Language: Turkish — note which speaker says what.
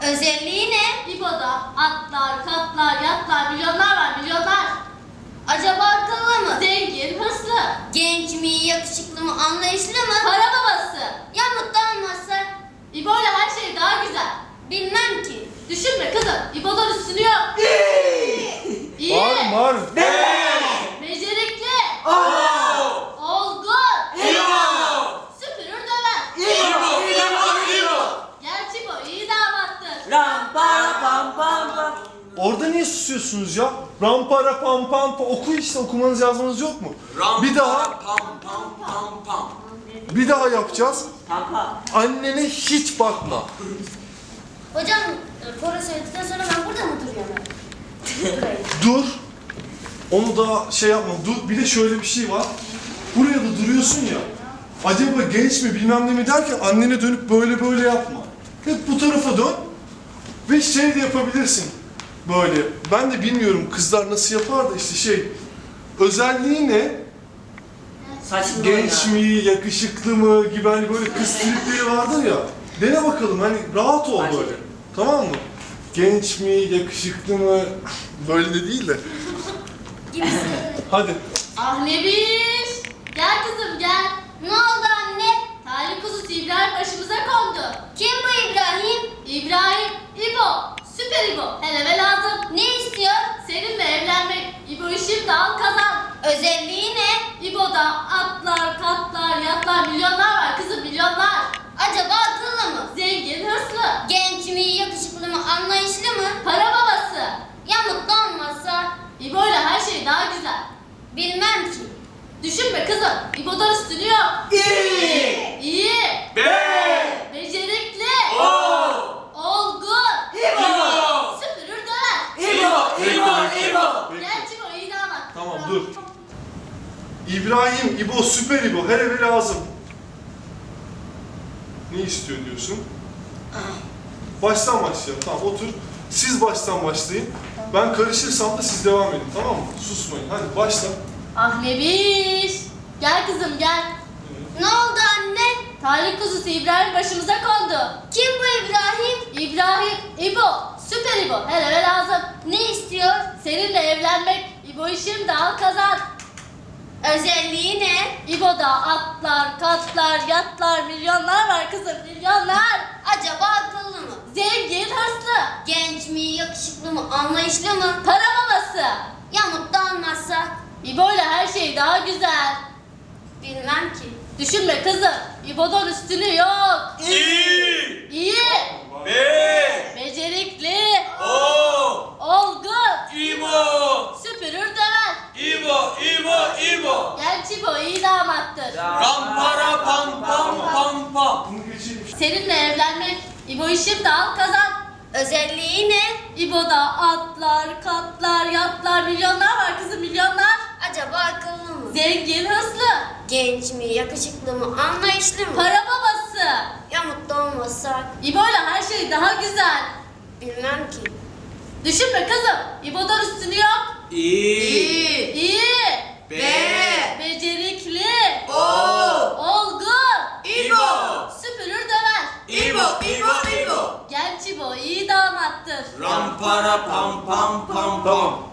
Speaker 1: Özelliği ne?
Speaker 2: İbo'da atlar, katlar, yatlar, milyonlar var, milyonlar.
Speaker 1: Acaba akıllı mı?
Speaker 2: Zengin, hırslı.
Speaker 1: Genç mi, yakışıklı mı, anlayışlı mı?
Speaker 2: Para babası.
Speaker 1: Ya mutlu olmazsa?
Speaker 2: İbo'yla her şey daha güzel.
Speaker 1: Bilmem ki.
Speaker 2: Düşünme kızım, İbo'dan üstünü yok. İyi.
Speaker 3: Var.
Speaker 2: Becerikli.
Speaker 4: Oo!
Speaker 2: Olgun.
Speaker 4: İbo!
Speaker 2: Süpürür döver.
Speaker 4: İbo!
Speaker 2: Gerçi bu iyi damattır.
Speaker 4: Ram para pam pam pam.
Speaker 3: Orada niye susuyorsunuz ya? Rampara pam pam pam. Oku işte, okumanız yazmanız yok mu?
Speaker 4: Ram
Speaker 3: Bir daha,
Speaker 4: para pam pam pam pam.
Speaker 3: bir daha yapacağız.
Speaker 4: Pampa.
Speaker 3: Annene hiç bakma.
Speaker 1: Hocam, koro söyledikten sonra ben burada mı duruyorum? Burayı.
Speaker 3: Dur. Onu da şey yapma. Dur. Bir de şöyle bir şey var. Buraya da duruyorsun ya. Acaba genç mi bilmem ne mi derken annene dönüp böyle yapma. Hep bu tarafa dön. Ve şey de yapabilirsin. Böyle. Ben de bilmiyorum kızlar nasıl yapar da işte şey. Özelliği ne?
Speaker 4: Saçını
Speaker 3: Genç mi, yakışıklı mı gibi hani böyle kız tripleri vardır ya. Dene bakalım hani rahat ol böyle. Tamam mı? Genç mi, yakışıklı mı? Böyle de değil de.
Speaker 1: Gibisi.
Speaker 3: Hadi.
Speaker 2: Ah Nebiş. Gel kızım gel.
Speaker 1: Ne oldu anne?
Speaker 2: Talih kuzusu İbrahim başımıza kondu.
Speaker 1: Kim bu İbrahim?
Speaker 2: İbrahim, İbo, süper İbo. Hele ve lazım.
Speaker 1: Ne istiyor?
Speaker 2: Seninle evlenmek. İbo'yu şimdi al kazan.
Speaker 1: Özelliği ne?
Speaker 2: İbo'da atlar, katlar, yatlar, milyonlar var kızım, milyonlar.
Speaker 1: Acaba akıllı mı?
Speaker 2: Zengin, hırslı.
Speaker 1: Genç mi, yakışıklı mı, anlayışlı mı?
Speaker 2: Para babası.
Speaker 1: Ya mutlu olmazsa?
Speaker 2: İbo'yla her şey daha güzel.
Speaker 1: Bilmem ki.
Speaker 2: Düşünme kızım, İbo'dan üstünü yok.
Speaker 4: İyi!
Speaker 2: İyi,
Speaker 4: Be!
Speaker 2: becerikli,
Speaker 4: Oo!
Speaker 2: olgun,
Speaker 4: İbo!
Speaker 2: süpürür döner.
Speaker 4: İbo!
Speaker 2: Gerçi bu iyi damat.
Speaker 3: Tamam, dur. İbrahim, İbo, süper İbo. Her eve lazım. Ne istiyor diyorsun? Baştan başlayalım. Tamam, otur. Siz baştan başlayın. Ben karışırsam da siz devam edin. Tamam mı? Susmayın. Hadi başla.
Speaker 2: Ah Nebiş. Gel kızım gel.
Speaker 1: Ne oldu anne?
Speaker 2: Talih kuzusu İbrahim başımıza kondu.
Speaker 1: Kim bu İbrahim?
Speaker 2: İbrahim, İbo, süper İbo. Hele ve lazım.
Speaker 1: Ne istiyor?
Speaker 2: Seninle evlenmek. İbo'yu şimdi al kazan.
Speaker 1: Özelliği ne?
Speaker 2: İbo'da atlar, katlar, yatlar, milyonlar var kızım, milyonlar.
Speaker 1: Acaba akıllı mı?
Speaker 2: Zengin, hırslı.
Speaker 1: Genç mi, yakışıklı mı, anlayışlı mı?
Speaker 2: Para babası.
Speaker 1: Ya mutlu olmazsa?
Speaker 2: İbo'yla her şey daha güzel.
Speaker 1: Bilmem ki.
Speaker 2: Düşünme kızım, İbo'dan üstünü yok.
Speaker 4: İyi!
Speaker 2: İyi,
Speaker 4: Be!
Speaker 2: becerikli,
Speaker 4: Oo!
Speaker 2: olgun,
Speaker 4: İbo!
Speaker 2: süpürür döver.
Speaker 4: İbo!
Speaker 2: Gerçi bu iyi damattır.
Speaker 4: Ram para pam pam pam pam.
Speaker 3: Bunu geçeyim.
Speaker 2: Seninle evlenmek. İbo'yu şimdi al kazan.
Speaker 1: Özelliği ne?
Speaker 2: İbo'da atlar, katlar, yatlar, milyonlar var kızım, milyonlar.
Speaker 1: Acaba akıllı mı?
Speaker 2: Zengin, hırslı.
Speaker 1: Genç mi, yakışıklı mı, anlayışlı mı?
Speaker 2: Para babası.
Speaker 1: Ya mutlu olmazsa?
Speaker 2: İbo'yla her şey daha güzel.
Speaker 1: Bilmem ki.
Speaker 2: Düşünme kızım. İbo'dan üstünü yok.
Speaker 4: İyi!
Speaker 2: İyi.
Speaker 4: Be!
Speaker 2: Becerikli.
Speaker 4: Oo!
Speaker 2: Olgun.
Speaker 4: İbo!
Speaker 2: Süpürür döver.
Speaker 4: İbo!
Speaker 2: Gerçi bu iyi damattır.
Speaker 4: Ram para pam pam pam pam.
Speaker 3: Tamam.